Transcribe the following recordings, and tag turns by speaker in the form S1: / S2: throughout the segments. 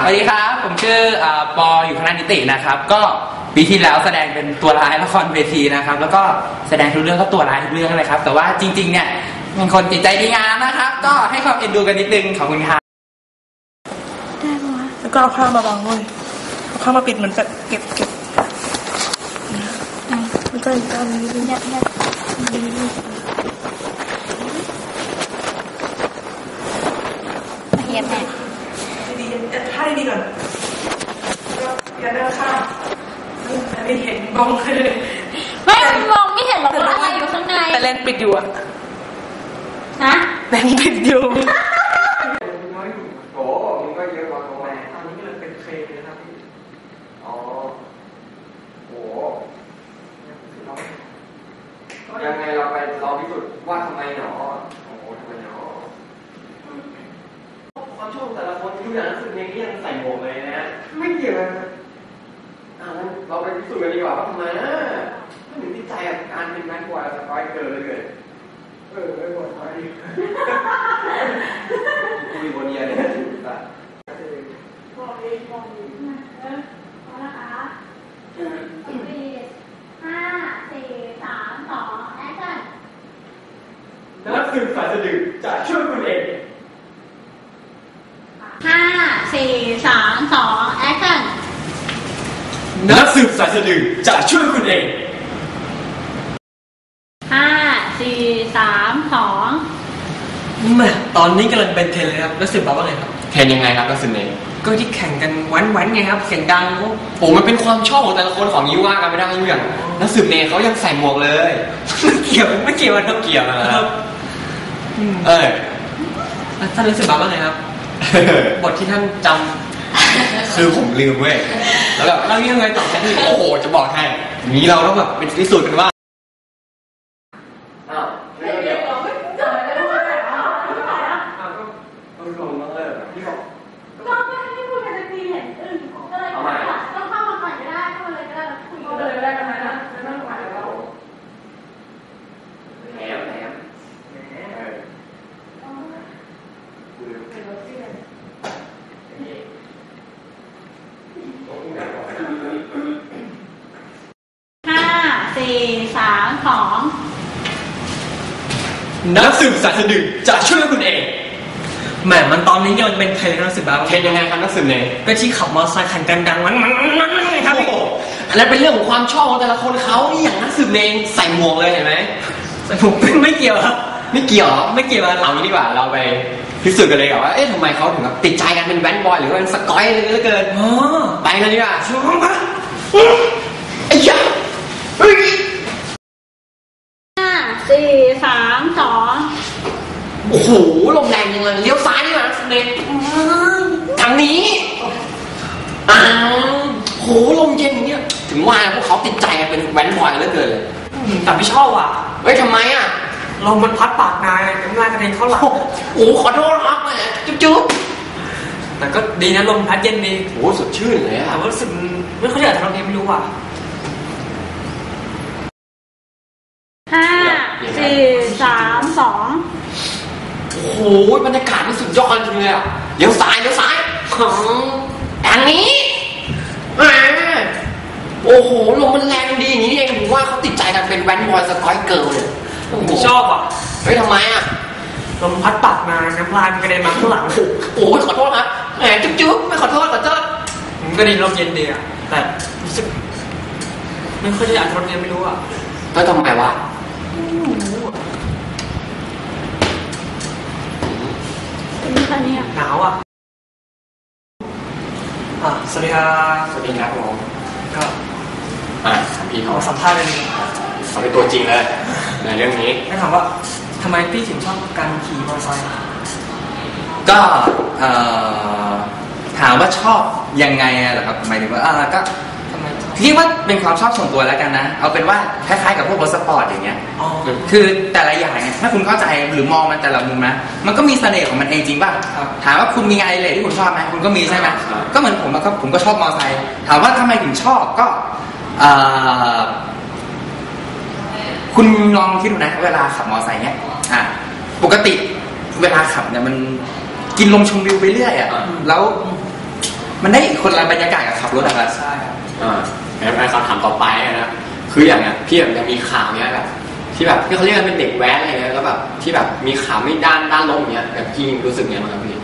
S1: สวัสดีครับผมชื่อปออยู่คณะนิตินะครับก็ปีที่แล้วแสดงเป็นตัวร้ายละครเวทีนะครับแล้วก็แสดงทุกเรื่องก็ตัวร้ายทุกเรื่องเลยครับแต่ว่าจริงๆเนี่ยเป็นคนจิตใจดีงามนะครับก็ให้ความเอ็นดูกันนิดนึงขอบคุณครับ
S2: ได้ไหมวะแล้วก็เอาผ้ามาบังเลยเอาผ้ามาปิดเหมือนแบบเก็บแล้วก็อีกด้านนี้ยัดเ
S3: ฮียแม่
S2: ดียัดผ้าดีก่อนก็ยัดด้านข้างอันนี้เห็นมองเลย
S3: ไม่มองไม่เห็นหรอกว่าอะไรอยู่ข้างใน
S2: แต่เลนปิดอยู่อะ
S3: นะ
S2: เลนปิดอยู่
S4: โอ้มันก็เยอะกว่าตัวตอนนี้มันเป็นเคนะครับพี่อ๋อโอ้ยังไงเราไปลองพิสูจน์ว่าทำไมหนอโอ้โหทำไมหนอความชอบแต่ละคนที่อย่างนั้นสุดเองที่ยังใส่หมวกเลยนะไม่เกี่ยวนะงั้นเราไปพิสูจน์กันดีกว่าว่าทำไมนะถ้าถึงที่ใจกับการเป็นแมนบอยสกอยเกินเลยไม่หมดไปคุยบนเนียเนี่ย
S3: บอกเลยพอนะคะ5 4 3 2แอคชั่น
S4: นักสืบสายสะดึกจะช่วยคุณเอง
S3: 5 4 3 2แอคชั่น
S4: นักสืบสายสะดึกจะช่วยคุณเอง
S3: 5 4 3 2
S5: ตอนนี้กำลังเป็นเทรนเลยครับนักสืบบอกว่าไงครับ
S4: เทรนยังไงครับนักสืบเอง
S5: ก็ที่แข่งกันวันไงครับเสียงดัง
S4: โอ้มันเป็นความชอบของแต่ละคนของยิ้วว่ากันไม่ได้อย่างนักสืบเนเขายังใส่หมวกเลย
S5: ไม่เกี่ยว
S4: มันต้องเกี่ยวนะครับ
S5: ท่านนักสืบบอกว่าไงครับบทที่ท่านจำ
S4: คือผมลืมเว้ยแล้วแบบ
S5: เรายังไงต่อกัน
S4: โอ้โหจะบอกให้นี้เราต้องแบบเป็นพิสูจน์กันว่านักสืบสายสะดึกจะช่วยคุณเอง
S5: มันตอนนี้ยังเป็นเทรนนักสืบบ้าง
S4: เทรนยังไงครับนักสืบเอง
S5: ก็ที่ขับมอเตอร์ไซค์คันดังๆมัน
S4: ครับอันนั้นเป็นเรื่องของความชอบของแต่ละคนเขาอย่างนักสืบเองใส่หมวกเลยเห็นไหม
S5: ใส่หมวกไม่เกี่ยวครับ
S4: ไม่เกี่ยว
S5: ไม่เกี่ยว
S4: เอางี้ดีกว่าเราไปพิสูจน์กันเลยว่าเอ๊ะทำไมเขาถึงติดใจกันเป็นแว้นบอยหรือว่าเป็นสกอยเลยเหลือเกินไปกันดีกว่าช่วงมาไอ้ยา
S3: 5 4 3 2
S4: โอ้โหลมแรงจังเลยเลี้ยวซ้ายนี่นะเด็กทางนี้โหลมเย็นเนี่ยถึงว่าพวกเขาติดใจกันเป็นแว้นบอยเหลือเกินเลย
S5: แต่ไม่ชอบอ่ะ
S4: เฮ้ยทำไมอ่ะ
S5: ลมมันพัดปากนายน้ำลายกระเด็นเข้าหลัง
S4: โอ้ขอโทษครับแม่จุ๊บ
S5: แต่ก็ดีนะลมพัดเย็นดี
S4: โอ้สดชื่นเลย
S5: แต่ว่ารู้สึกไม่ค่อยอยากทำอะไรไม่รู้อ่ะ
S3: 5 4 3 2
S4: โอ้โหบรรยากาศมันสุดยอดจริงเลยอ่ะเลี้ยวซ้ายทางนี้โอ้โหลมมันแรงดีอย่างนี้เองผมว่าเขาติดใจกันเป็นแว้นบอยสกอยเกิร์ลเลย
S5: ไม่ชอบอ่ะ
S4: เฮ้ยทำไมอ่ะ
S5: ลมพัดปากมาน้ำลายมันกระเด็นมาข้างหลัง
S4: โอ้ยขอโทษครับแหมจุ๊บไม่ขอโทษ
S5: ก็ดีลมเย็นดีอ่ะแต่รู้สึกไม่ค่อยอยากทำอะไรไม่รู้อ่ะ
S4: แล้วทำไมวะ
S5: หนาวอ่ะสวัสดี
S4: ครับผม
S5: ก็
S4: พี่เขา
S5: สัมภาษณ์เป็น
S4: เขาเป็นตัวจริงเลยในเรื่องนี้
S5: ให้ถามว่าทำไมพี่ถึงชอบการขี่มอเตอร์ไซค์
S1: ก็ถามว่าชอบยังไงเหรอครับหมายถึงว่าก็คิดว่าเป็นความชอบส่วนตัวแล้วกันนะเอาเป็นว่าคล้ายๆกับพวกรถสปอร์ตอย่างเงี้ยคือแต่ละอย่างเนี่ยถ้าคุณเข้าใจหรือมองมันแต่ละมุมนะมันก็มีเสน่ห์ของมันเองจริงป่ะถามว่าคุณมีงานอะไรที่คุณชอบไหมคุณก็มีใช่ไหมก็เหมือนผมก็ชอบมอเตอร์ไซค์ถามว่าทำไมถึงชอบก็คุณลองคิดดูนะเวลาขับมอเตอร์ไซค์เนี้ยปกติเวลาขับเนี่ยมันกินลมชมวิวไปเรื่อยแล้วมันได้คนละบรรยากาศกับขับรถอะครับ
S5: ใช่ครับ
S4: งั้นคำถามต่อไปนะคืออย่างเนี้ยพี่แบบจะมีข่าวเนี้ยแบบที่แบบที่เขาเรียกกันเป็นเด็กแว้นอะไรเงี้ยแล้วแบบที่แบบมีข่าวไม่ด้านลบเนี้ยแบบพี่รู้สึกไงบ้างครับพี่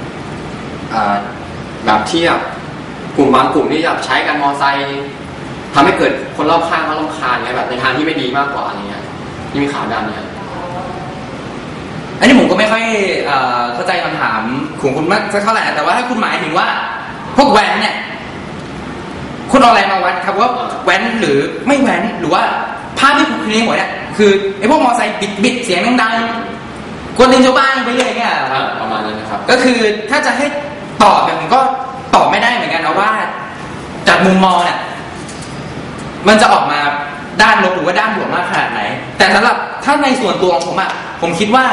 S4: แบบที่แบบกลุ่มบางกลุ่มที่แบบใช้การมอไซค์ทำให้เกิดคนรอบข้างเขารำคาญเงี้ยแบบในทางที่ไม่ดีมากกว่าอะไรเงี้ยที่มีข่าวด้านเนี้ย
S1: อันนี้ผมก็ไม่ค่อยเข้าใจคำถามของคุณมากสักเท่าไหร่แต่ว่าถ้าคุณหมายถึงว่าพวกแว้นเนี่ยคุณเอาอะไรมาวัดครับว่าแว้นหรือไม่แว้นหรือว่าภาพที่คุณคิดในหัวเนี่ยคือไอ้พวกมอไซค์บิดเสียงดังๆกวนตีนชาวบ้านไปเรื่อยเงี้ย
S4: ประมาณนั้นนะครับ
S1: ก็คือถ้าจะให้ตอบเนี่ยผมก็ตอบไม่ได้เหมือนกันนะว่าจากมุมมองเนี่ยมันจะออกมาด้านลบหรือว่าด้านบวกมากขนาดไหนแต่สำหรับถ้าในส่วนตัวของผมอะผมคิดว่า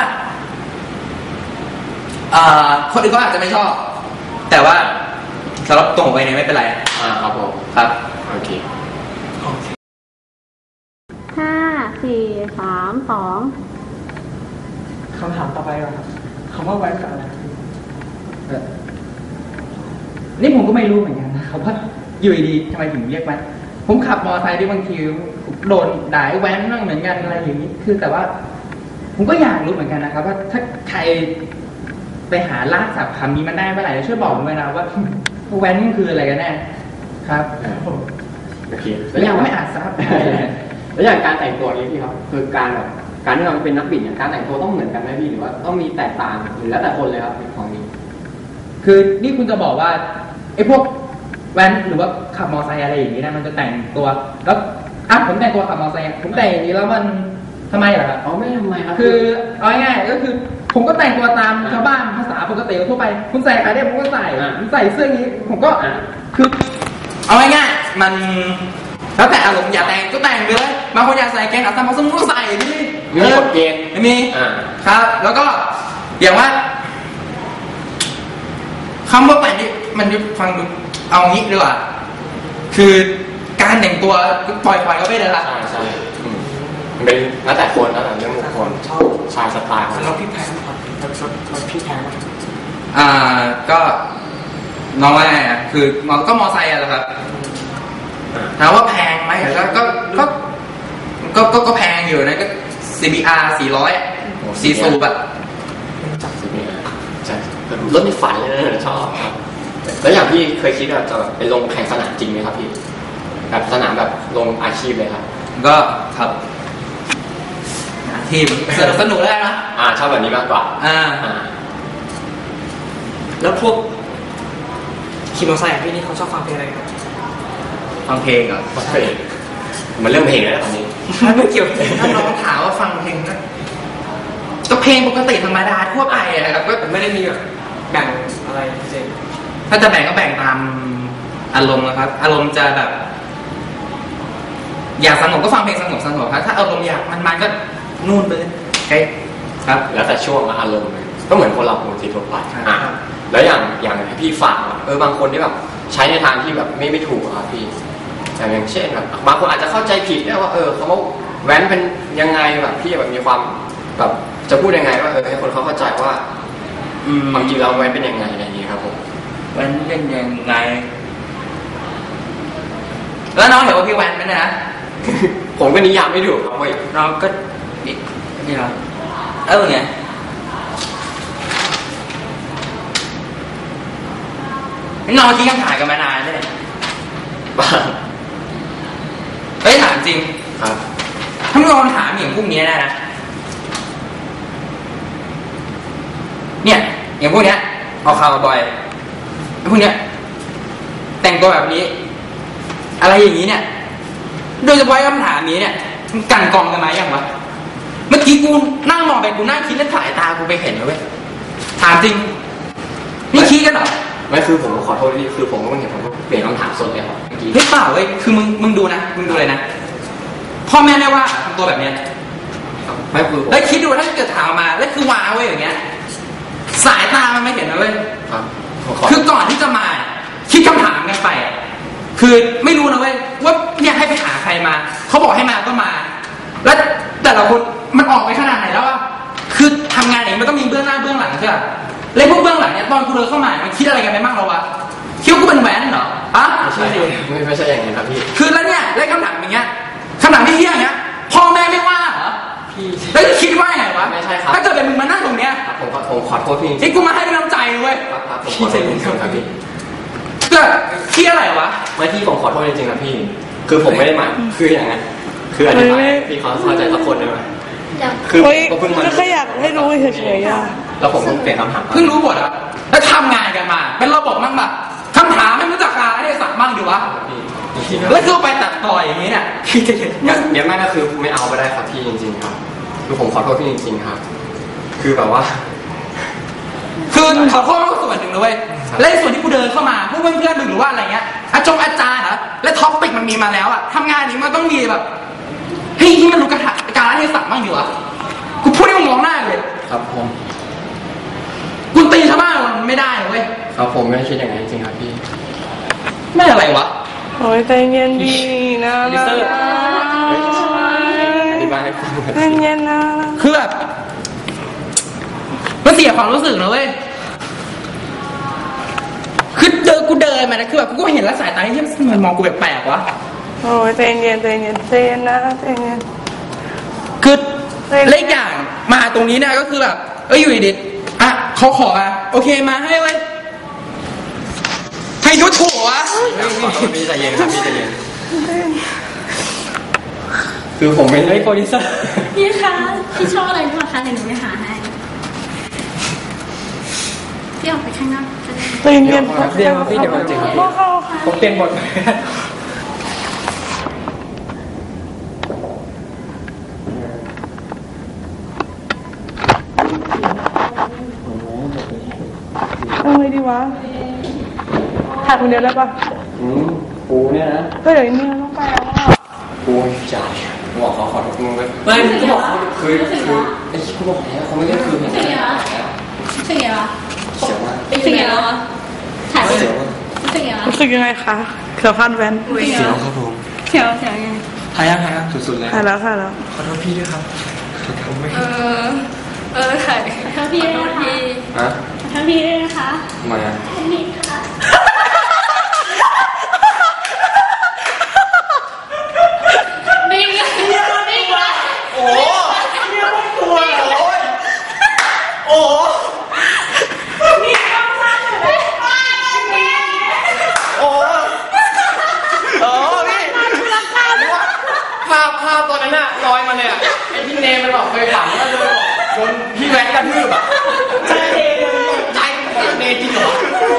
S1: คนอื่นก็อาจจะไม่ชอบแต่ว่าสำหรับตรงไปเนี่ยไม่เป็นไร
S4: ครับผม
S1: ครับ
S4: โอเค
S3: 5 4 3 2
S5: คำถามต่อไปครับคำว่าแว้นกับอะไร
S1: นี่ผมก็ไม่รู้เหมือนกันนะครับว่าอยู่ดีทำไมถึงเรียกแว้นผมขับมอเตอร์ไซค์ที่บางทีโดนด่าแว้นบ้างเหมือนกันอะไรอย่างนี้คือแต่ว่าผมก็อยากรู้เหมือนกันนะครับว่าถ้าใครไปหาลากศัพท์คำนี้มันได้เมื่อไหร่ช่วยบอกผมด้วยนะว่าแว้นคืออะไรกันแน่ครับ
S4: โอเค
S1: แล้วยังไม่อาจทราบ
S4: แล้วอย่างการแต่งตัวนี้พี่ครับคือการแบบการที่เราเป็นนักบิดเนี่ยการแต่งตัวต้องเหมือนกันไหมพี่หรือว่าต้องมีแตกต่างหรือแล้วแต่คนเลยครับของนี้
S1: คือนี่คุณจะบอกว่าไอ้พวกแว้นหรือว่าขับมอเตอร์ไซค์อะไรอย่างนี้นะมันจะแต่งตัวแล้วผมแต่งตัวขับมอเตอร์ไซค์ผมแต่งอย่างนี้แล้วมันทำไมล่ะครับ
S4: ไม่ทำไมครับ
S1: คือเอาง่ายๆก็คือผมก็แต่งตัวตามชาวบ้านภาษาปกติทั่วไปคุณใส่อะไรได้ผมก็ใส่ผมใส่เสื้อนี้ผมก็คือเอาง่ายๆมันแล้วแต่อารมณ์อยากแต่งก็แต่งไปเลยบางคนอยากใส่แกงขาสั้นบางคนก็ใส่นี่
S4: มีกฎเกณฑ์
S1: ไม่มีครับแล้วก็อย่างว่าคำว่าแว้นนี่มันฟังดูเอางี้ดีกว่าคือการแต่งตัวปล่อยก็ไม่ได้ละ
S4: ใช่เป็นแล้วแต่คนแล้วแต่เรื่องของคนชอบชายสไตล์
S5: แล้วพี่แพงครับพี่แพง
S1: ก็น้องว่าไงคือก็มอไซค์อะแหละครับถามว่าแพงไหมก็แพงอยู่นะก็ CBR 400 4 สูบอะ
S4: จับ CBR ใช่รถในฝันเลยชอบครับแล้วอย่างพี่เคยคิดว่าจะไปลงแข่งสนามจริงไหมครับพี่แบบสนามแบบลงอาชีพเลยครับ
S1: ก็ครับทีมสนุกได้นะ
S4: ชอบแบบนี้มากกว่า
S5: แล้วพวกขี่มอเตอร์ไซค์พี่นี่เขาชอบฟังเพลงอะไรครับ
S1: ฟังเพลงเหรอ
S4: ฟังเพลงมันเรื่องเพลงแล้วตอนนี้
S1: ไม่เกี่ยวถ้าน้องถามว่าฟังเพลงก็เพลงปกติธรรมดาทั่วไปนะครับก็
S5: ไม่ได้มีแบบแบ่งอะไรเจน
S1: ถ้าจะแบ่งก็แบ่งตามอารมณ์นะครับอารมณ์จะแบบอยากสงบก็ฟังเพลงสงบครับถ้าอารมณ์อยากมันก็นู่นไปเลยโอเคครับ
S4: แล้วแต่ช่วงอารมณ์ก็เหมือนคนเราปกติทั่วไปแล้วอย่างพี่ฝากบางคนที่แบบใช้ในทางที่แบบไม่ถูกครับพี่อย่างเช่นแบบบางคนอาจจะเข้าใจผิดได้ว่าเขาว่าแว้นเป็นยังไงแบบพี่แบบมีความแบบจะพูดยังไงว่าให้คนเขาเข้าใจว่าบางทีเราแว้นเป็นยังไงอะไรอย่างนี้ครับผม
S1: แว้นเป็นยังไงแล้วน้องเห็นว่าพี่แว้นไหมนะ
S4: ผมก็นิยามไม่ถูกครับ
S1: น้องก็นี่เหรอไงน้องคิดคำถามกันมานานเลย
S4: บ้า
S1: ถามจริง
S4: ครับ
S1: ถ้ามึงลองถามอย่างพวกนี้ได้นะเนี่ยอย่างพวกเนี้ยเอาข่าวบ่อยพวกเนี้ยแต่งตัวแบบนี้อะไรอย่างนี้เนี่ยโดยเฉพาะคำถามนี้เนี่ยมันกันกองกันมาอย่างวะเมื่อกี้กูนั่งมองไปกูนั่งคิดแล้วสายตากูไปเห็นนะเว้ยถามจริงนี่คิดกันเหรอ
S4: ไม่คือผมขอโทษที่คือผมก็เห็นผมก็เปลี่ยนคำถามสดเลยครับเมื่อกี้
S1: เฮ้ยเปล่าเว้ยคือมึงดูนะมึงดูเลยนะพ่อแม่ได้ว่าทำตัวแบบเนี้ย
S4: ไม่คือ
S1: แล้วคิดดูถ้าเกิดถามมาแล้วคือว้าเว้ยอย่างเงี้ยสายตามันไม่เห็นนะเว้ยคือก่อนที่จะมาคิดคำถามกันไปคือไม่รู้นะเว้ยว่าเนี่ยให้ไปหาใครมาเขาบอกให้มาก็มาแล้วแต่ละคนมันออกไปขนาดไหนแล้วอะคือทำงานเองมันต้องมีเบื้องหน้าเบื้องหลังใช่ไหมเลยพวกเบื้องหลังเนี่ยตอนกูเดินเข้ามามันคิดอะไรกันไปบ้างเราวะคิดว่ากูเป็นใช่สิ
S4: ไม่ใช่อย่างนี้ครับพี่
S1: คือแล้วเนี่ยเล่นคำถามอย่างเงี้ยคำถามที่เที่ยงเงี้ยพ่อแม่ไม่ว่าเหรอ
S4: พี่
S1: แล้วคิดว่าไงวะ
S4: ไม่ใช่ครับ
S1: ถ้าเกิดเป็นมึงมานั่งตรงเนี้ย
S4: ครับผมขอโทษพี่จริง
S1: ไอ้กูมาให้เป็นน้ำใจเว้ย
S4: ครับผมขอโทษจริงๆครับพี่
S1: เกิดเครียดอะไรวะ
S4: ไม่พี่ผมขอโทษจริงๆครับพี่ คือผมไม่ได้หมายคืออย่างนั้นคืออธิบายพี่เขาเข้าใจสักคนได้ไหมคือ
S2: เฮ้ย
S4: ผมเพิ่งมา
S2: ก็แค่อยากให้รู้เฉยๆอ่ะ
S4: แล้วผมต้องเปลี่ยนคำถาม
S1: เพิ่งรู้หมดอะแล้วทำงานกันมา เป็นระบบมั่งแบบคำถามไม่รู้จักการให้สักมั่งดีวะ
S4: พี่
S1: แล้วคือไปตัดต่ออย่างนี้เนี่ยคิดจะเห็น
S4: เดี๋ยวแม่ก็คือไม่เอาไปได้ครับพี่จริงๆครับคือผมขอโทษพี่จริงๆครับ คือแบบว่า
S1: คือขอโทษก็ส่วนหนึ่งนะเว้ยและในส่วนที่กูเดินเข้ามาพวกเพื่อนๆมึงหรือว่าอะไรเงี้ยอาจารย์เหรอและท็อปปิกมันมีมาแล้วอะทำงานนี้มันต้องมีแบบเฮ้ยที่มันรู้การให้สักมั่งดีวะกูพูดให้มึงมองหน้าเลย
S4: ครับผม
S1: กูตีชาวบ้านมันไม่ได้เว้ย
S4: ครับผมไม่ได้คิดอย่างนั้นจริงๆครับพี่
S1: ไม่อะไรวะ
S2: โอ้ยใจเย็นดีนะ
S1: อ
S4: ธิบายให้ฟังหน่อย
S2: ใจเย็นนะ
S1: คือแบบมันเสียความรู้สึกนะเว้ยคือกูเดินมานะคือแบบกูก็เห็นแล้วสายตาที่มันมองกูแปลกๆวะ
S2: โอ้ยใจเย็นใจเย็นใจเย็นนะใจเย็น
S1: คือเลขอย่างมาตรงนี้เนี่ยก็คือแบบอยู่ดีๆอ่ะเขาขอมาโอเคมาให้เว้ยให้ยุถูกวะ
S4: ขอโทษพี่ใจเย็นครับพี่ใจเย็นคือผมไม่ได้โปรดิวเซอร์
S3: พี่คะพี่ชอบอะไรบ้างคะเดี๋ยวหนูไปหาให้พี่ออกไปข้างนอกจะได้
S2: ใจเย็น
S4: เดี๋ยวพี่เดี๋ยวจริงครับพี่
S1: ผมเปลี่ยนบท
S2: เอาไงดีวะถ่ายคนเดียวได้ปะ
S4: ปูเนี่ยนะ
S2: ก็เดี๋ยวนี้ต้องไปแล้วอ่ะ
S4: ปูจ่ายบอกเขาขอโทษมึงไปไม่ก็บอกเขาคือไอ้กูบอกแล้วเขาไม่ได้คือเห็น
S3: รู้สึกไงวะรู้สึกไงวะ
S4: เสียวมาก
S3: รู้สึกไงวะถ่ายไป
S4: เสียวมาก
S3: รู้สึกไงวะ
S2: รู้สึกยังไงคะเสือพันแวน
S4: เสียวครับผม
S3: เสียวเสียวไง
S1: หายยัง
S4: สุดๆเลย
S2: ถ่ายแล้วถ่ายแล้ว
S1: ขอโทษพี่ด้วยครับ
S4: ผมไม่
S3: ถ่ายถ้าพี่ด้วยนะคะ
S4: ฮะ
S3: ถ้าพี่ด้วยนะคะ
S4: ทำไมอ่ะ
S3: นี่ค่ะนี่ไงนี่ไง
S1: โอ้เนี่ยพวกตัวโอ้โอ้พี่ภาพตอนนั้นน่ะลอยมาเลยอ่ะไอ้พี่เนมมันบอกเคยฝันว่าโดนพี่แว็กกระทืบอ่ะใช่เนมใจเนจริงเหรอ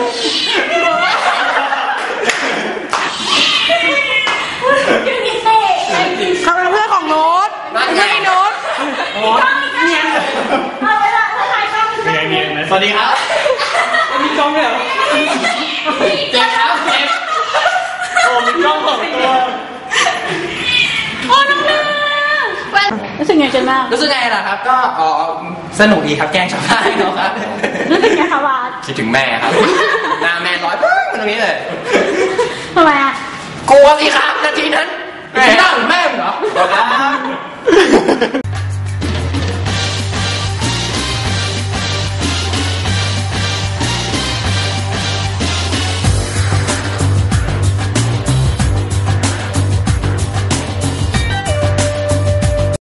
S2: เขาเป็นเพื่อนของโน้ตไม่ใช่โน้ต
S1: สวัสดีครับมีกล้องด้วยเหรอเจ๊ครับเจ๊โอ้มีกล้อง2ตัว
S3: โอ้น้องนารู้สึกไงกันบ้าง
S1: รู้สึกไงล่ะครับก็สนุกดีครับแกล้งชาวบ้านเนาะครับ
S3: รู้สึกไงคะวาด
S4: คิดถึงแม่ครับหน้าแม่ร้อยปึ๊งมาตรงนี้เลย
S3: ทำไมอ่ะ
S1: กลัวสิครับนาทีนั้นแม่หน้าเหมือนแม่เหรอ